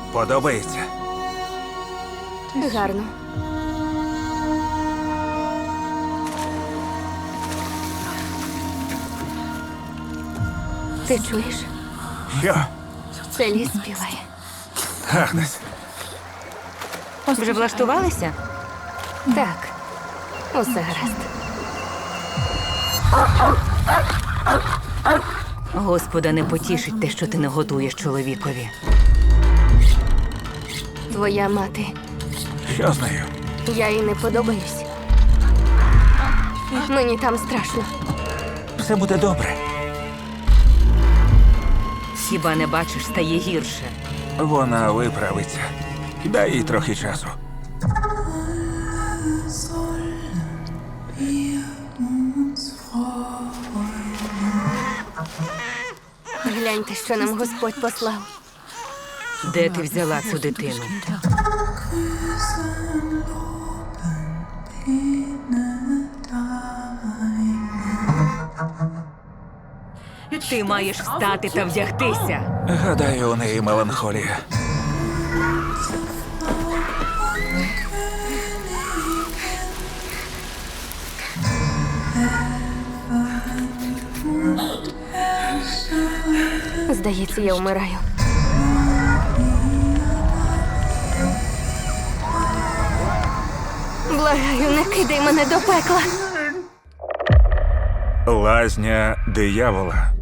Подобається? Гарно. Ти чуєш? Що? Це ліс співає. Агнес, Вже влаштувалися? Так, усе гаразд. Господа не потішить те, що ти не готуєш чоловікові. Твоя мати. що з нею? Я їй не подобаюсь. Мені там страшно. Все буде добре. Хіба не бачиш, стає гірше. Вона виправиться. Дай їй трохи часу. Гляньте, що нам Господь послав. Де ти взяла цю дитину? Ти маєш встати та вдягтися. Гадаю, у неї меланхолія. Здається, я вмираю. Благаю, не кидай мене до пекла. Лазня диявола.